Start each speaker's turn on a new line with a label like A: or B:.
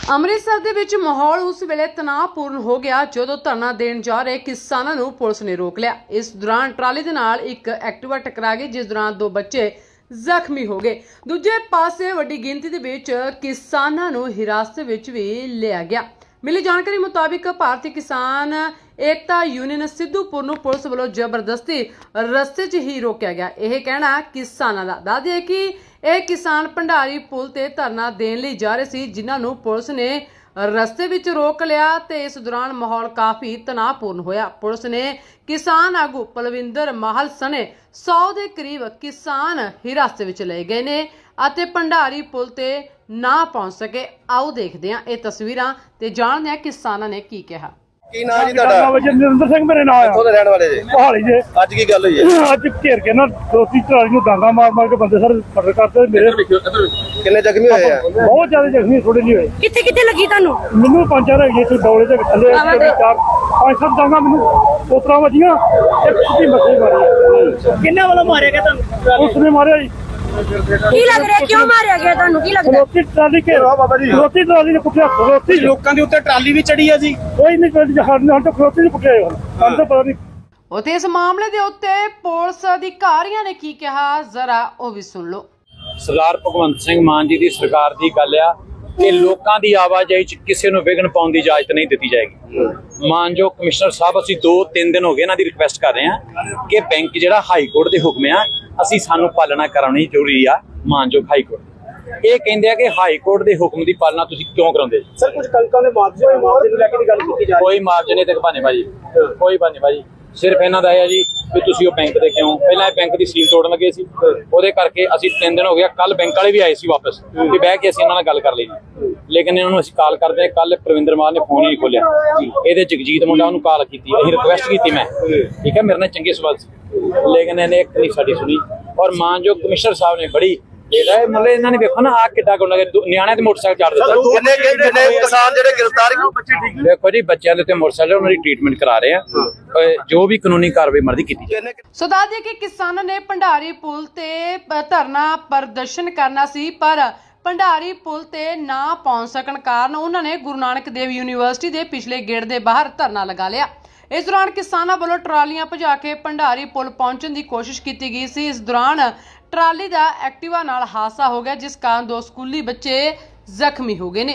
A: ਅੰਮ੍ਰਿਤਸਰ ਦੇ ਵਿੱਚ ਮਾਹੌਲ ਉਸ ਵੇਲੇ ਤਣਾਅਪੂਰਨ ਹੋ ਗਿਆ ਜਦੋਂ ਧਰਨਾ ਦੇਣ ਜਾ ਰਹੇ ਕਿਸਾਨਾਂ ਨੂੰ ਪੁਲਿਸ ਨੇ ਰੋਕ ਲਿਆ। ਇਸ ਦੌਰਾਨ ਟਰਾਲੀ ਦੇ ਨਾਲ ਇੱਕ ਐਕਟਿਵਾ ਟਕਰਾ ਗਈ, ਜਿਸ ਦੌਰਾਨ 2 ਬੱਚੇ ਜ਼ਖਮੀ ਹੋ ਗਏ। ਦੂਜੇ ਪਾਸੇ ਵੱਡੀ ਗਿਣਤੀ ਦੇ ਵਿੱਚ ਕਿਸਾਨਾਂ ਨੂੰ ਹਿਰਾਸਤ ਵਿੱਚ ਵੀ ਲਿਆ ਗਿਆ। ਮਿਲੀ ਜਾਣਕਾਰੀ ਮੁਤਾबिक ਭਾਰਤੀ ਕਿਸਾਨ ਏਕਤਾ ਯੂਨੀਅਨ ਸਿੱਧੂਪੁਰ ਨੂੰ ਪੁਲਿਸ ਵੱਲੋਂ ਜ਼ਬਰਦਸਤੀ ਰਸਤੇ 'ਚ ਹੀ ਰੋਕਿਆ ਗਿਆ। ਇਹ ਕਹਿਣਾ ਕਿਸਾਨਾਂ ਦਾ ਦੱਸਦੇ ਹੈ ਕਿ ਇਹ ਕਿਸਾਨ ਭੰਡਾਰੀ ਪੁਲ ਤੇ ਧਰਨਾ ਦੇਣ ਲਈ ਜਾ ਰਹੇ ਸੀ, ਜਿਨ੍ਹਾਂ ਨੂੰ ਪੁਲਿਸ ਨੇ ਰਸਤੇ ਵਿੱਚ ਰੋਕ ਲਿਆ ਤੇ ਇਸ ਦੌਰਾਨ ਮਾਹੌਲ ਕਾਫੀ ਤਣਾਅਪੂਰਨ ਹੋਇਆ। ਪੁਲਿਸ ਨੇ ਕਿਸਾਨ ਆਗੂ ਪਲਵਿੰਦਰ ਮਾਹਲ ਸਣੇ 100 ਦੇ ਕਰੀਬ ਕਿਸਾਨ ਹਿਰਾਸਤ ਵਿੱਚ ਲਏ ਗਏ ਨੇ ਅਤੇ ਭੰਡਾਰੀ ਪੁਲ ਤੇ ਨਾ ਪਹੁੰਚ ਸਕੇ। ਆਓ ਦੇਖਦੇ ਹਾਂ ਇਹ ਤਸਵੀਰਾਂ ਤੇ ਜਾਣਦੇ ਹਾਂ ਕਿਸਾਨਾਂ ਨੇ ਕੀ ਕਿਹਾ।
B: ਕੀ ਨਾਮ ਜੀ ਤੁਹਾਡਾ?
C: ਨਰਿੰਦਰ ਸਿੰਘ ਮੇਰੇ ਨਾਮ ਆ।
B: ਕਿੱਥੋਂ ਦੇ ਰਹਿਣ ਵਾਲੇ ਜੀ?
C: ਪਹਾੜੀ ਜੇ।
B: ਅੱਜ ਕੀ ਗੱਲ ਹੋਈ ਹੈ?
C: ਅੱਜ ਘੇਰ ਕੇ ਨਾ ਦੋਸਤੀ ਟਰਾਲੀ ਨੂੰ ਡਾਂਗਾ ਮਾਰ ਕੇ ਬੰਦੇ ਸਾਰੇ ਮਰਡਰ ਕਰਦੇ। ਮੇਰੇ
B: ਕਿੰਨੇ ਜ਼ਖਮੀ ਹੋਏ ਆ?
C: ਬਹੁਤ ਜ਼ਿਆਦਾ ਜ਼ਖਮੀ ਥੋੜੇ ਨਹੀਂ ਹੋਏ।
D: ਕਿੱਥੇ ਕਿੱਥੇ ਲੱਗੀ ਤੁਹਾਨੂੰ?
C: ਮੈਨੂੰ 5-4 ਹੈਗੇ ਇੱਥੇ ਡੌਲੇ ਦੇ ਥੱਲੇ 4-5 ਡਾਂਗਾ ਮੈਨੂੰ ਉਤਰਾ ਵੱਜੀਆਂ। ਇੱਕ ਸਿੱਧੀ ਮੱਥੇ ਮਾਰੀ।
D: ਕਿੰਨੇ ਵੱਲੋਂ ਮਾਰਿਆ ਗਿਆ ਤੁਹਾਨੂੰ?
C: ਉਸਨੇ ਮਾਰਿਆ ਜੀ।
D: ਕੀ ਲੱਗ ਰਿਹਾ, ਕਿਉਂ ਮਾਰਿਆ ਗਿਆ ਤੁਹਾਨੂੰ? ਕੀ ਲੱਗਦਾ?
C: ਰੋਟੀ ਟਰਾਲੀ ਘੇਰਾ ਬਾਬਾ ਜੀ। ਰੋਟੀ ਟਰਾਲੀ ਨੇ ਕੁੱਟਿਆ। ਰੋਟੀ
E: ਲੋਕਾਂ ਦੇ ਉੱਤੇ ਟਰਾਲੀ ਵੀ ਚੜੀ ਆ ਜੀ।
C: ਕੋਈ ਨਹੀਂ ਕੋਈ ਹਣ ਤਾਂ ਰੋਟੀ ਨਹੀਂ ਕੁੱਟਿਆ ਹੁਣ ਤਾਂ ਪਤਾ ਨਹੀਂ।
A: ਉਤੇ ਇਸ ਮਾਮਲੇ ਦੇ ਉੱਤੇ ਪੁਲਿਸ ਅਧਿਕਾਰੀਆਂ ਨੇ ਕੀ ਕਿਹਾ, ਜ਼ਰਾ ਉਹ ਵੀ ਸੁਣ ਲਓ।
F: ਸਰਦਾਰ ਭਗਵੰਤ ਸਿੰਘ ਮਾਨ ਜੀ ਦੀ ਸਰਕਾਰ ਦੀ ਗੱਲ ਆ ਕਿ ਲੋਕਾਂ ਦੀ ਆਵਾਜਾਈ 'ਚ ਕਿਸੇ ਨੂੰ ਵਿਘਨ ਪਾਉਣ ਦੀ ਇਜਾਜ਼ਤ ਨਹੀਂ ਦਿੱਤੀ ਜਾਏਗੀ। ਮਾਨਯੋਗ ਕਮਿਸ਼ਨਰ ਸਾਹਿਬ, ਅਸੀਂ 2-3 ਦਿਨ ਹੋ ਗਏ ਇਹਨਾਂ ਦੀ ਰਿਕੁਐਸਟ ਕਰ ਰਹੇ ਹਾਂ ਕਿ ਬੈਂਕ ਜਿਹੜਾ ਹਾਈ ਕੋਰਟ ਦੇ ਹੁਕਮ ਆ, ਅਸੀਂ ਸਾਨੂੰ ਪਾਲਣਾ ਕਰਾਉਣੀ ਜ਼ਰੂਰੀ ਆ। ਮਾਨਯੋਗ ਹਾਈ ਕੋਰਟ ਇਹ ਕਹਿੰਦੇ ਆ ਕਿ ਹਾਈ ਕੋਰਟ ਦੇ ਹੁਕਮ ਦੀ ਪਾਲਣਾ ਤੁਸੀਂ ਕਿਉਂ ਕਰਾਉਂਦੇ ਜੀ?
E: ਸਰ ਕੁਝ ਕਣਕਾਂ ਦੇ ਮੁਆਵਜ਼ੇ ਨੂੰ ਲੈ ਕੇ ਗੱਲ ਕੀਤੀ ਜਾ ਰਹੀ
F: ਕੋਈ ਮੁਆਵਜ਼ੇ ਨਹੀਂ ਤੇ ਭਾਨੇਬਾਜੀ, ਕੋਈ ਭਾਨੇਬਾਜੀ। ਸਿਰਫ ਇਹਨਾਂ ਦਾ ਇਹ ਆ ਜੀ ਵੀ ਤੁਸੀਂ ਉਹ ਬੈਂਕ ਦੇ ਕਿਉਂ ਪਹਿਲਾਂ ਇਹ ਬੈਂਕ ਦੀ ਸੀਲ ਤੋੜਨ ਲੱਗੇ ਸੀ, ਉਹਦੇ ਕਰਕੇ ਅਸੀਂ 3 ਦਿਨ ਹੋ ਗਿਆ। ਕੱਲ ਬੈਂਕ ਵਾਲੇ ਵੀ ਆਏ ਸੀ ਵਾਪਸ ਕਿ ਬਹਿ ਕੇ ਅਸੀਂ ਇਹਨਾਂ ਨਾਲ ਗੱਲ ਕਰ ਲਈ, ਲੇਕਿਨ ਇਹਨਾਂ ਨੂੰ ਅਸੀਂ ਕਾਲ ਕਰਦੇ। ਕੱਲ ਪ੍ਰਵਿੰਦਰ ਮਾਨ ਨੇ ਫੋਨ ਹੀ ਨਹੀਂ ਖੋਲਿਆ। ਇਹਦੇ ਜਗਜੀਤ ਮੁੰਡਾ ਉਹਨੂੰ ਕਾਲ ਕੀਤੀ, ਅਸੀਂ ਰਿਕੁਐਸਟ ਕੀਤੀ ਮੈਂ, ਠੀਕ ਹੈ, ਮੇਰੇ ਨਾਲ ਚੰਗੇ ਸਵਾਲ ਸੀ, ਲੇਕਿਨ ਇਹਨੇ ਇੱਕ ਨਹੀਂ ਸਾਡੀ ਸੁਣੀ। ਔਰ ਮਾਨਯੋਗ ਕਮਿਸ਼ਨਰ ਸਾਹਿਬ ਨੇ ਬੜੀ ਮਤਲਬ ਇਹਨਾਂ ਨੇ ਵੇਖੋ ਨਾ ਆ ਕਿੱਡਾ ਗੁੰਡਾ ਨਿਆਣਿਆਂ ਦੇ ਮੋਟਰਸਾਈਕਲ ਚੜ੍ਹ ਦਿੱਤਾ।
B: ਕਿੰਨੇ ਕਿਸਾਨ ਜਿਹੜੇ ਗ੍ਰਿਫਤਾਰ?
F: ਦੇਖੋ ਜੀ, ਬੱਚਿਆਂ ਦੇ ਉੱਤੇ ਮੋਟਰਸਾਈਕਲ ਉਹਨਾਂ ਦੀ ਟ੍ਰੀਟਮੈਂਟ ਕਰਾ ਰਹੇ ਆ, ਜੋ ਵੀ ਕਾਨੂੰਨੀ ਕਾਰਵਾਈ ਮਰਜ਼ੀ ਕੀਤੀ ਜਾਏ।
A: ਸੋ ਦੱਸ ਦਈਏ ਕਿ ਕਿਸਾਨਾਂ ਨੇ ਭੰਡਾਰੀ ਪੁਲ ਤੇ ਧਰਨਾ ਪ੍ਰਦਰਸ਼ਨ ਕਰਨਾ ਸੀ, ਪਰ ਭੰਡਾਰੀ ਪੁਲ ਤੇ ਨਾ ਪਹੁੰਚ ਸਕਣ ਕਾਰਨ ਉਹਨਾਂ ਨੇ ਗੁਰੂ ਨਾਨਕ ਦੇਵ ਯੂਨੀਵਰਸਿਟੀ ਦੇ ਪਿਛਲੇ ਗੇਟ ਦੇ ਬਾਹਰ ਧਰਨਾ ਲਗਾ ਲਿਆ। ਇਸ ਦੌਰਾਨ ਕਿਸਾਨਾਂ ਵੱਲੋਂ ਟਰਾਲੀਆਂ ਭਜਾ ਕੇ ਭੰਡਾਰੀ ਪੁਲ ਪਹੁੰਚਣ ਦੀ ਕੋਸ਼ਿਸ਼ ਕੀਤੀ ਗਈ ਸੀ। ਇਸ ਦੌਰਾਨ ਟਰਾਲੀ ਦਾ ਐਕਟਿਵਾ ਨਾਲ ਹਾਦਸਾ ਹੋ ਗਿਆ, ਜਿਸ ਕਾਰਨ 2 ਸਕੂਲੀ ਬੱਚੇ ਜ਼ਖਮੀ ਹੋ ਗਏ ਨੇ।